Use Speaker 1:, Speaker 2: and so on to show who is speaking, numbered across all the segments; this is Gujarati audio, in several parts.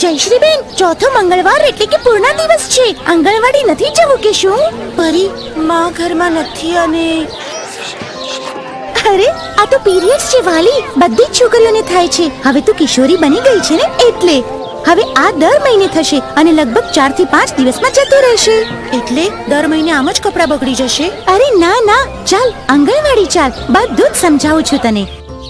Speaker 1: જયશ્રીબેન, ચોથો મંગળવાર એટલે કે પૂર્ણ દિવસ છે. આંગણવાડી નથી જવું કે શું? પરી, માં ઘરમાં નથી અને અરે, આ તો પીરિયડ્સ છે વાલી. બધી જ છોકરીઓને થાય છે. હવે તો કિશોરી બની ગઈ છે ને, એટલે હવે આ દર મહિને થશે અને લગભગ 4 થી 5 દિવસમાં જતું રહેશે. એટલે દર મહિને આમ જ કપડાં બગડી જશે? અરે ના ના, ચાલ આંગણવાડી ચાલ, બધું જ સમજાવું છું તને.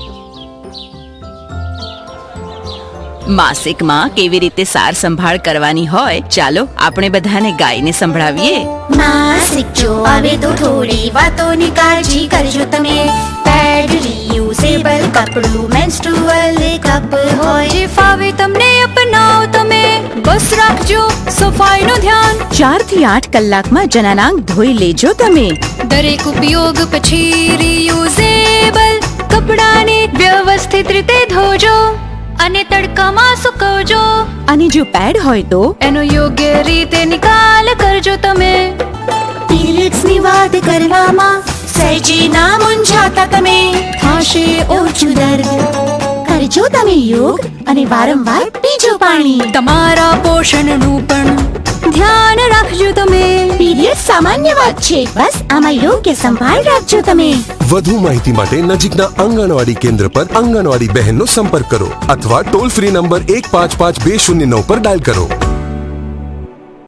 Speaker 2: માસિકમાં કેવી રીતે સાર સંભાળ કરવાની હોય, ચાલો આપણે બધાને ગાયને સંભળાવીએ.
Speaker 1: માસિક જો આવે તો થોડી વાતોની કાળજી કરજો તમે. પેડ રીયુઝેબલ કપડું, મેન્સ્ટ્રુઅલ કપ હોય,
Speaker 3: જે ફાવે તમને અપનાવો તમે. બસ રાખજો સફાઈનું ધ્યાન.
Speaker 2: 4 થી 8 કલાકમાં જનનાંગ ધોઈ લેજો તમે.
Speaker 3: દરેક ઉપયોગ પછી રીયુઝેબલ કપડાને વ્યવસ્થિત રીતે ધોજો અને તડકામાં સુકવજો.
Speaker 2: અને જો પેડ હોય તો
Speaker 3: એનો યોગ્ય રીતે નિકાલ કરજો તમે.
Speaker 1: પીરિયડ્સની વાત કરવામાં સહેજે ના મૂંઝાતા તમે. થશે ઓછું દર્દ, કરજો તમે યોગ અને વારંવાર પીજો પાણી.
Speaker 3: તમારા પોષણનું પણ ધ્યાન રાખજો તમે.
Speaker 1: પીરિયડ સામાન્ય વાત છે, બસ આમાં યોગ્ય સંભાળ રાખજો તમે.
Speaker 4: વધુ માહિતી માટે નજીકના આંગણવાડી કેન્દ્ર પર આંગણવાડી બહેનનો સંપર્ક કરો અથવા ટોલ ફ્રી નંબર 155209 પર ડાયલ કરો.